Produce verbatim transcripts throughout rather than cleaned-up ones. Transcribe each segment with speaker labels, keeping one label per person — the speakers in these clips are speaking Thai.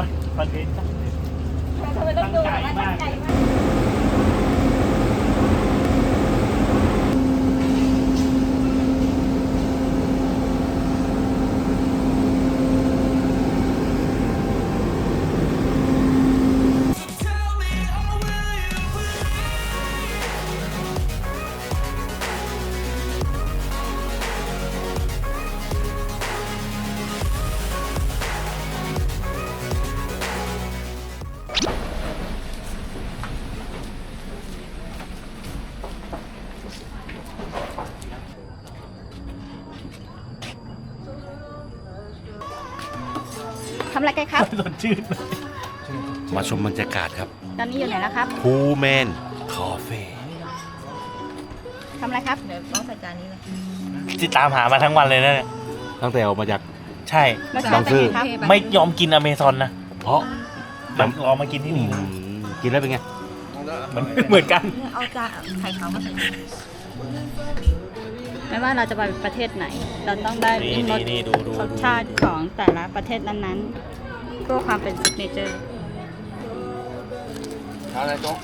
Speaker 1: ประเด็นตั้ง
Speaker 2: ทำไมต้องดูแบบว่าตั้งใจมากทำอะไรกันครับ
Speaker 1: สดชื่นเลย
Speaker 3: มาชมบรรยากาศครับ
Speaker 2: ตอนนี้อยู่ไหนแล้วครับ
Speaker 3: พูแมนคาเฟ่
Speaker 2: ทำอะไรครับ เดี๋ยวต้องใส่จานนี้เลย
Speaker 1: ที่ตามหามาทั้งวันเลยนะเนี่ย
Speaker 3: ตั้งแต่ออกมาจาก
Speaker 1: ใช่
Speaker 2: รสชาติเป็นไงครับ
Speaker 1: ไม่ยอมกินอเมซอนนะ
Speaker 3: เพราะ
Speaker 1: แบบรอมากินที่นี่
Speaker 3: อืมกินแล้วเป็นไง
Speaker 1: เหมือนเหมือนกัน
Speaker 2: เอาจานไข่ขาวมาใส่ไม่ว่าเราจะไปประเทศไหน เราต้องได้
Speaker 1: นี่
Speaker 2: รส
Speaker 1: นี่นี่ดูดู
Speaker 2: รสชาติของแต่ละประเทศนั้นๆเพื่อความเป็นซิกเนเจอร์
Speaker 3: อะไรโจ๊ก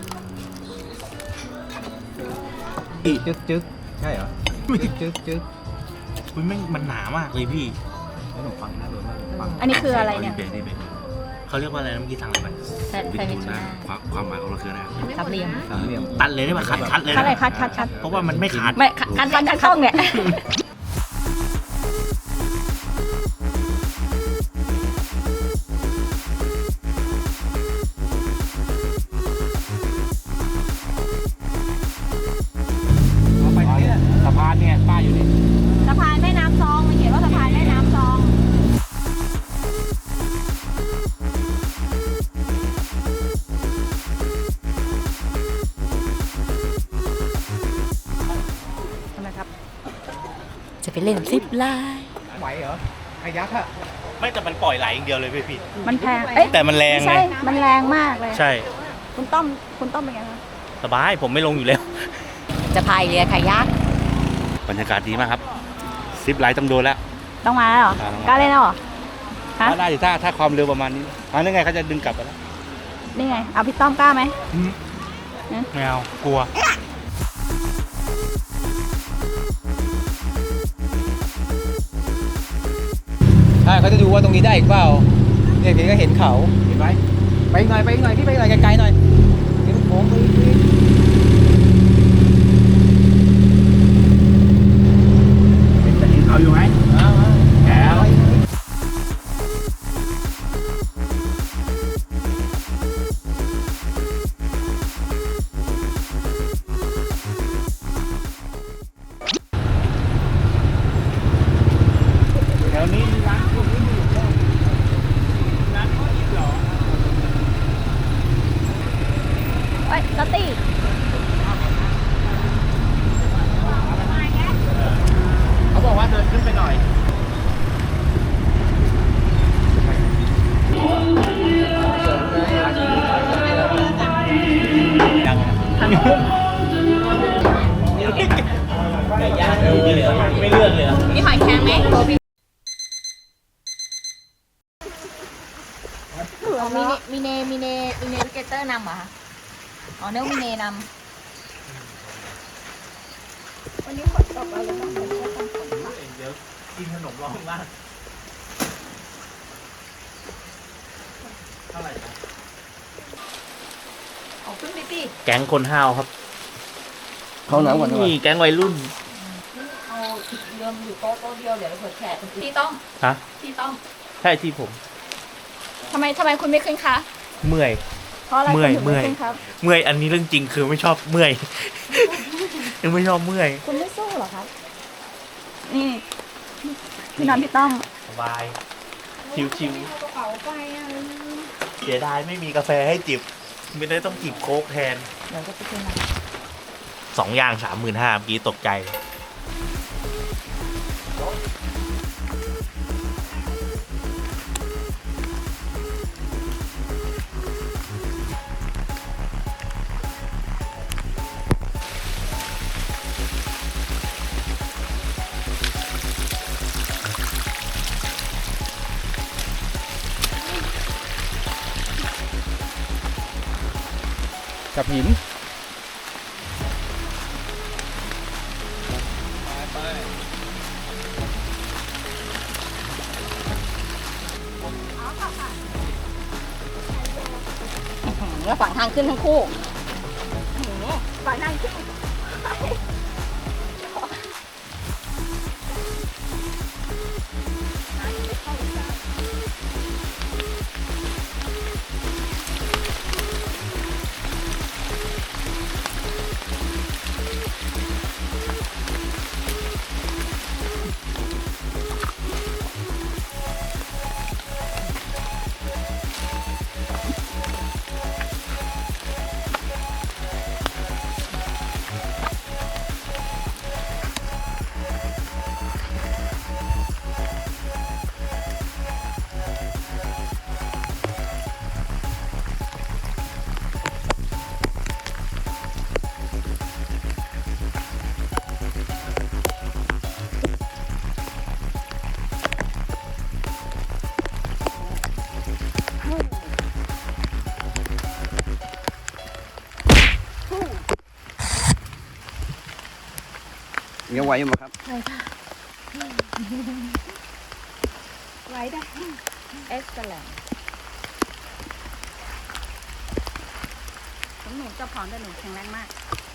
Speaker 4: จึ๊กจึ๊กใช่เหรอจึ๊กจึ๊กจึ๊ก
Speaker 1: คุณแม่งมันหนามากเลยพี่
Speaker 4: ขนมปังน่าโดนมากปัง
Speaker 2: อันนี้คืออะไรเนี่ย
Speaker 1: นี่เป็นเขาเรียกว่าอะไรนะเมื่อกี้สั่งอะไรไป
Speaker 2: แซนด์วิชนะ
Speaker 3: ความความหมายของเราคืออะไรครับ
Speaker 2: สามเหลี่ยม
Speaker 4: สามเหลี่ยม
Speaker 1: ตัดเลยได้ป่ะคัดคัดเลย
Speaker 2: คัดเลย
Speaker 1: นะ
Speaker 2: คัดคัดคัด
Speaker 1: เพราะว่ามันไม่ขาด
Speaker 2: ไม่คัดคัดคัดช่องเนี่ย
Speaker 4: เอาไปเนี่ยสะพานเนี่ยป้ายอยู่นี่
Speaker 2: สะพานแม่น้ำซองมันเขียนว่าสะพานแม่น้ำซองทำไมครับ จะไปเล่นซิปไลน์
Speaker 4: ไหวเหรอไอ้ยักษ์อะ
Speaker 1: ไม่แต่มันปล่อยไหลอย่างเดียวเลยพี่พี่
Speaker 2: มันแพงเอ๊ะ
Speaker 1: แต่มันแรง
Speaker 2: ไม่
Speaker 1: ไง
Speaker 2: ใช่ มันแรงมากเลย
Speaker 1: ใช่
Speaker 2: คุณต้อมคุณต้อมเป็นไงคะ
Speaker 1: สบายผมไม่ลงอยู่แล้ว
Speaker 2: จะพายเรือคายัก
Speaker 3: บรรยากาศดีมากครับซิปไลท์ต้องโดนแล้ว
Speaker 2: ต้องมาแล้วเหรอ
Speaker 3: ต้องมา
Speaker 2: กล้าเล่นแล้วเหรอฮะ
Speaker 3: ถ้าได้ดิถ้าถ้าความเร็วประมาณนี้อันนี้ไงเขาจะดึงกลับไปแล้ว
Speaker 2: นี่ไง เอาพี่ต้อมกล้าไหม
Speaker 1: ไม่เอากลัว
Speaker 4: ใช่เขาจะดูว่าตรงนี้ได้อีกเปล่าเนี่ยพี่ก็เห็นเขาเห็นไหมไปอีกหน่อยไปอีกหน่อยพี่ไปอีกหน่อยไกลๆหน่อยเห็นโค้งไปอีก
Speaker 1: จะเห็นเขาอยู่ไหมแก้วแถวนี้ร้านพวกนี้อยู่ร้านข้าวอีกเหรอ
Speaker 2: เอ้ยลอตตี้
Speaker 1: เขาบอกว่าเดินขึ้นไปหน่อยยังไก่ย่างไม่เหลือไม่เลือกเลย
Speaker 2: มีหอยแครงไหมมีเนมีเนมีเนมีเนวิเกเตอร์นำเหรอคะอ๋อเนื้อมีเนนำวันนี้ฝนตกเราเลยต้องไปช่วยกันฝนค่ะ
Speaker 1: เดี๋ยวกินขนมร้องล่างเท่าไหร่นะ
Speaker 2: เอาขึ้นไปสิ
Speaker 1: แก๊งคนห้าวครับ
Speaker 3: เขาหนาวกว่านี้
Speaker 1: นี่แก๊งวัยรุ่น
Speaker 2: เอาเดิมอยู่โต๊ะโต๊ะเดียวเดี๋ยวเผื่อแขกพี่ต้อง
Speaker 1: ฮะ
Speaker 2: พี่ต้อง
Speaker 1: ใช่ที่ผม
Speaker 2: ทำไมทำไมคุณไม่ขึ้นคะ
Speaker 1: เมื่อย
Speaker 2: เพราะอะไร
Speaker 1: เมื่
Speaker 2: คุ
Speaker 1: อย
Speaker 2: ณถึง
Speaker 1: เมื่
Speaker 2: ไม่
Speaker 1: อย
Speaker 2: ขึ้นครับ
Speaker 1: เมื่อยอันนี้เรื่องจริงคือไม่ชอบเมื่อย ยังไม่ชอบเมื่อย
Speaker 2: คุณไม่สู้เหรอครับนี่พี่น้องพี่ต้อง
Speaker 1: สบาย ชิว
Speaker 2: กระเป๋าไปอ่ะ
Speaker 1: ๆเสียดายไม่มีกาแฟให้จิบ ไม่ได้ต้องจิบโค้กแทน
Speaker 2: เดี๋ยวจะไปกิน
Speaker 1: สองอย่างสามหมื่นห้าเมื่อกี้ตกใจ
Speaker 4: กับหินไป
Speaker 2: แล้วฝั่งทางขึ้นทั้งคู่ฝั่งทางขึ้น
Speaker 1: ยังไหวอยู่ไหมครับ
Speaker 2: ไหวค่ะไหวได้เอ็กซ์แลนด์ผมหนูจะพร้อมแต่หนูแข็งแรงมาก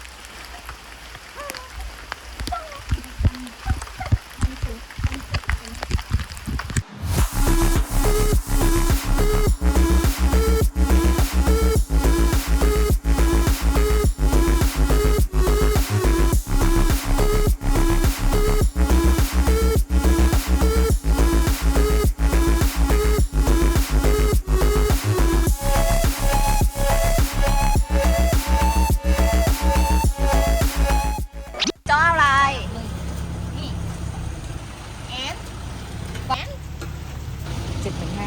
Speaker 2: จ้ออะไรนี่เอฟแอนเจ็ดถึงห้า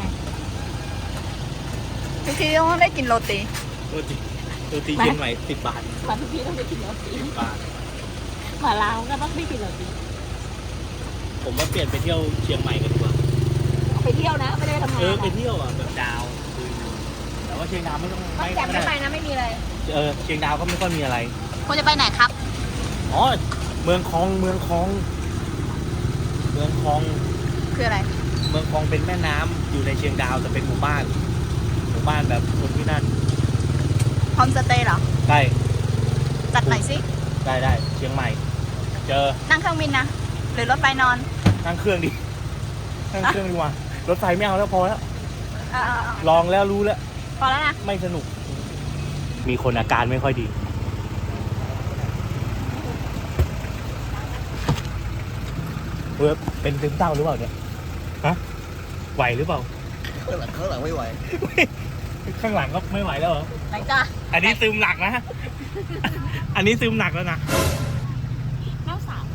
Speaker 2: ทุกทีต้องได้กินโรตี
Speaker 3: ตัวตีตัวตีเย็นใหม่สิบบาท
Speaker 2: มาทุกทีต้องได้กินโรตี
Speaker 3: สิบบาท
Speaker 2: มาลาวก็ต้องได้กินโรตี
Speaker 3: ผมว่าเปลี่ยนไปเที่ยวเชียงใหม่กันดีกว่า
Speaker 2: ไปเที่ยวนะไม่ได้ทำงาน
Speaker 3: เออไปเที่ยวอ่ะแบบดาวคือแต่ว่าเชียงดาวไม่ต้อง
Speaker 2: ไม่แจ่มไม่ไปนะไม่มีอะไร
Speaker 3: เออเชียงดาวก็ไม่ค่อยมีอะไร
Speaker 2: คุณจะไปไหนครับ
Speaker 3: อ๋อเมืองคลองเมืองคลอง เมืองคลอง
Speaker 2: คืออะไร
Speaker 3: เมืองคลองเป็นแม่น้ำอยู่ในเชียงดาวแต่เป็นหมู่บ้านหมู่บ้านแบบคนที่นั่น
Speaker 2: โฮมสเตย์เหรอ
Speaker 3: ใกล้
Speaker 2: จัดหน่อยสิ
Speaker 3: ได้ได้เชียงใหม่ เจอ
Speaker 2: นั่งเครื่องบินนะ หรือรถไฟนอน
Speaker 3: นั่งเครื่องดินั่งเครื่องดีกว่ารถไฟไม่เอาแล้วพอแล้ว
Speaker 2: เออ
Speaker 3: ลองแล้วรู้แล้ว
Speaker 2: พอแล้วนะ
Speaker 3: ไม่สนุก มีคนอาการไม่ค่อยดีเว็บเป็นซึมเศร้าหรือเปล่าเนี่ย ฮะ ไหวหรือเปล่า
Speaker 1: ข้างหลังข้างหลังไม่ไหว
Speaker 3: ข้างหลังก็ไม่ไหวแล้วเหรอ
Speaker 2: ไหนจ้า
Speaker 3: อันนี้ซึมหนักนะ อันนี้ซึมหนักแล้วนะ
Speaker 2: แม่สาว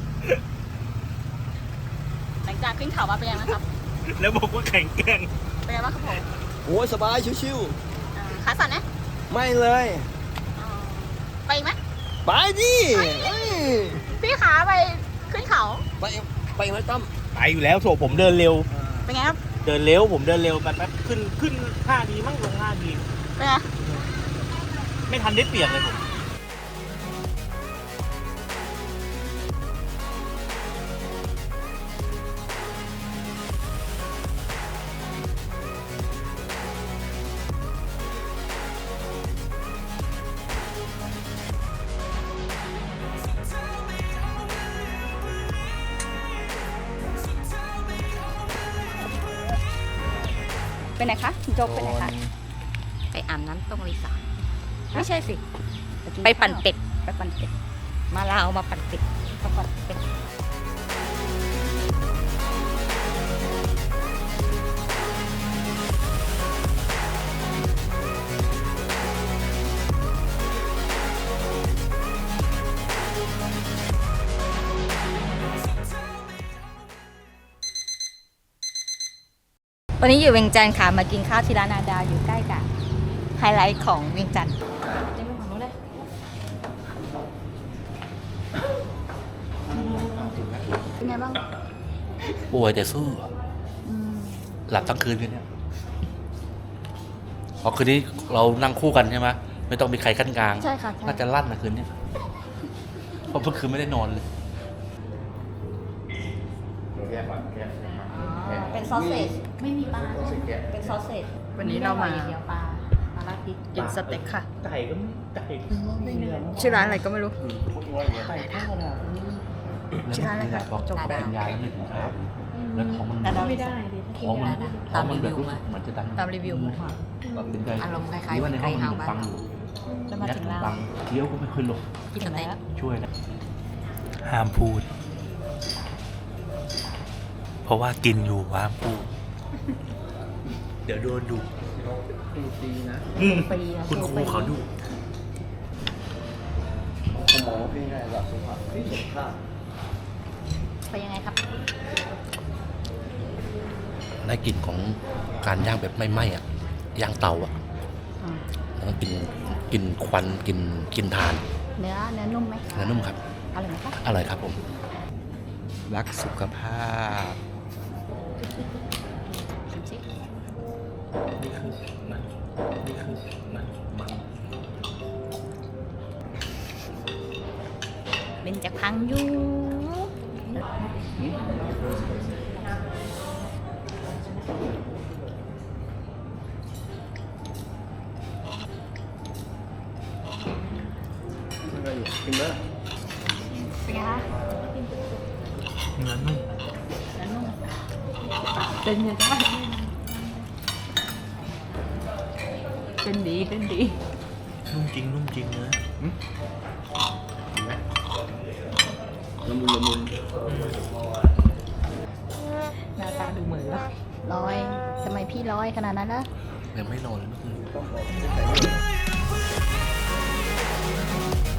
Speaker 2: หลังจากขึ้นเขามาเป็นยังไงนะครับ
Speaker 3: แล้วบอกว่าแข็งแกร่ง
Speaker 2: เป็นยังไงบ้างครับผม
Speaker 1: โอ้ยสบายชิว
Speaker 2: อ่าขาสั่นนะ
Speaker 1: ๆไม่เลย
Speaker 2: อ่าไปอีกไหม
Speaker 1: ไปดิเอ้ย
Speaker 2: พี่ขาไปขึ้นเขา
Speaker 1: ไปไปไหมตั้ม
Speaker 3: ไปอยู่แล้วโถผมเดินเร็ว
Speaker 2: เป็นไงครับ
Speaker 3: เดินเร็ว ผมเดินเร็วแป๊บๆขึ้นขึ้นห้าดีมั่งลงห้าดี
Speaker 2: เป็นไง
Speaker 3: ไม่ทันได้เปลี่ยนเลยผม
Speaker 2: เป็นไหนคะโจ๊กเป็นไหนคะ ไปอาบน้ำตรงรีสอร์ทไม่ใช่สิ ไปปั่นเป็ด ไปปั่นเป็ด มาลาวมาปั่นเป็ดมาปั่นเป็ด วันนี้อยู่เวียงจันทร์ค่ะ มากินข้าวที่ร้านนาดาวอยู่ใกล้กับไฮไลท์ของเวียงจันทร์จะไปฝั่งนู้นเลยเป็นไงบ้าง
Speaker 3: ป่วยแต่สู้ หลับทั้งคืนกันเนี่ยพอคืนนี้เรานั่งคู่กันใช่ไหมไป
Speaker 1: ไม่ต้องมีใครขั้นกลาง
Speaker 2: ใช่ค่ะใช่
Speaker 1: น่าจะลั่นนะคืนนี้เพราะเมื่อคืนไม่ได้นอนเลย
Speaker 2: เป็นซอสเซจไม่มีปลาเป็นซอสเซจวันนี้เรามาเดียวปลาปลาลาพิษกินสเต็กค่ะ
Speaker 3: ไก่ก็ไก่
Speaker 2: ชื่อร้านอะไรก็ไม่รู้
Speaker 3: ไก่ทอดอ่ะ
Speaker 2: ชื่อร้านอะไรคะ
Speaker 1: บอก
Speaker 2: จบ
Speaker 1: เป็นยาแล้วไม่ถึงครับแล้วท้องมัน
Speaker 2: ไม่ได้
Speaker 1: ท้องมันท้องมันแบบรู้สึกเหมือนจะดัน
Speaker 2: ตามรีวิวมา
Speaker 1: ตัดสินใจ
Speaker 2: อารมณ์คล้ายๆ
Speaker 1: นี่ว่าในห้องมัน
Speaker 2: ไก่
Speaker 1: มี
Speaker 2: เห่า
Speaker 1: ปังอยู่
Speaker 2: แล้วมา
Speaker 1: ยัด
Speaker 2: ถึงเรา
Speaker 1: ปังเคี้ยวก็ไม่ค่อยลง
Speaker 2: กินสเต็ก
Speaker 1: ช่วยนะ
Speaker 3: ห้ามพูด เพราะว่ากินอยู่ห้ามพูด เดี๋ยวโดนดุ
Speaker 4: ดูดีนะ
Speaker 3: อืม
Speaker 2: ปีนะ
Speaker 3: คุณครูเขาดุ
Speaker 4: สมองเป็นไงล่ะสุภาพนี่สุภาพ
Speaker 2: ไปยังไงครับ
Speaker 1: ได้กลิ่นของการย่างแบบไม่ไหม้อะย่างเตาอะแล้วก็กินกินควันกินกินทาน
Speaker 2: เนื้อเนื้อนุ่มไหม
Speaker 1: เนื้อนุ่มครับ
Speaker 2: อร่อยไหมคะ
Speaker 1: อร่อยครับผม
Speaker 4: รักสุขภาพ
Speaker 2: ชิมสิ
Speaker 3: นี่คือมันนี่คือมันมัน
Speaker 2: เป็นจากพังอยู่เป็นไงคะ
Speaker 3: เนื้อนุ่ม
Speaker 2: เป็นยังไงเป็นดีเป็นดี
Speaker 3: นุ่มจริงนุ่มจริงเนื้อ
Speaker 4: ละมุนละมุน
Speaker 2: หน้าตาดูเหมือนว่าร้อยทำไมพี่ร้อยขนาดนั้นนะ
Speaker 1: ยังไม่นอนเลยเมื่อคืน